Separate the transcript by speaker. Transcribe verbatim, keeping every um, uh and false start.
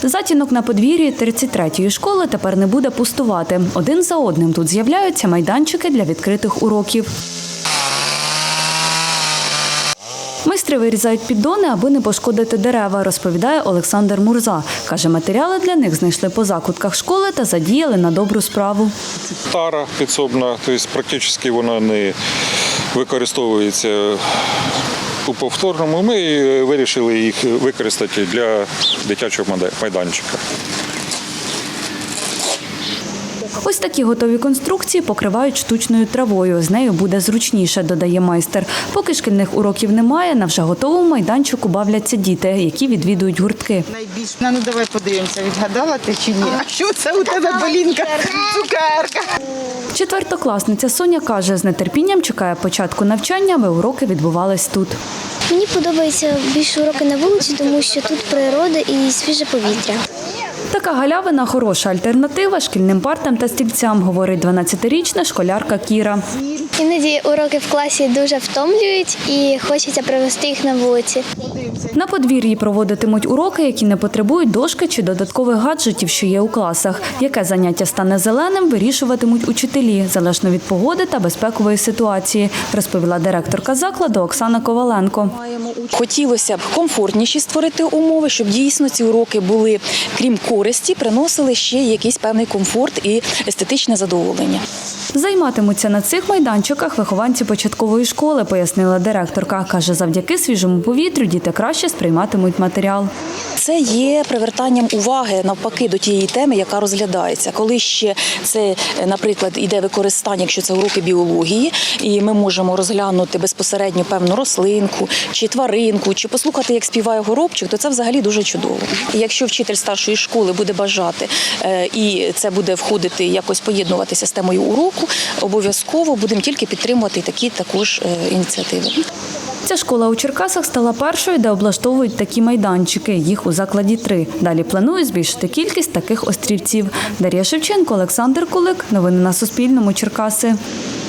Speaker 1: Затінок на подвір'ї тридцять третьої школи тепер не буде пустувати. Один за одним тут з'являються майданчики для відкритих уроків. Майстри вирізають піддони, аби не пошкодити дерева, розповідає Олександр Мурза. Каже, матеріали для них знайшли по закутках школи та задіяли на добру справу.
Speaker 2: Тара підсобна, тобто практично вона не використовується у повторному. Ми вирішили їх використати для дитячого майданчика.
Speaker 1: Ось такі готові конструкції покривають штучною травою. З нею буде зручніше, додає майстер. Поки шкільних уроків немає, на вже готовому майданчику бавляться діти, які відвідують гуртки.
Speaker 3: Найбільш, ну давай подивимося, відгадала ти чи ні? А що це у тебе, Полінка? Цукерка.
Speaker 1: Четвертокласниця Соня каже, з нетерпінням чекає початку навчання, аби уроки відбувались тут.
Speaker 4: Мені подобаються більше уроки на вулиці, тому що тут природа і свіже повітря.
Speaker 1: Така галявина – хороша альтернатива шкільним партам та стільцям, говорить дванадцятирічна школярка Кіра.
Speaker 4: Іноді уроки в класі дуже втомлюють і хочеться провести їх на вулиці.
Speaker 1: На подвір'ї проводитимуть уроки, які не потребують дошки чи додаткових гаджетів, що є у класах. Яке заняття стане зеленим, вирішуватимуть учителі, залежно від погоди та безпекової ситуації, розповіла директорка закладу Оксана Коваленко.
Speaker 5: Хотілося б комфортніші створити умови, щоб дійсно ці уроки були, крім користі, приносили ще якийсь певний комфорт і естетичне задоволення.
Speaker 1: Займатимуться на цих майданчиках вихованці початкової школи, пояснила директорка. Каже, завдяки свіжому повітрю діти краще сприйматимуть матеріал.
Speaker 5: Це є привертанням уваги, навпаки, до тієї теми, яка розглядається. Коли ще це, наприклад, іде використання, якщо це уроки біології, і ми можемо розглянути безпосередньо певну рослинку, чи тваринку, чи послухати, як співає горобчик, то це взагалі дуже чудово. І якщо вчитель старшої школи буде бажати, і це буде входити, якось поєднуватися з темою уроку, обов'язково будемо тільки підтримувати такі також ініціативи.
Speaker 1: Ця школа у Черкасах стала першою, де облаштовують такі майданчики. Їх у закладі три. Далі планують збільшити кількість таких острівців. Дар'я Шевченко, Олександр Кулик. Новини на Суспільному. Черкаси.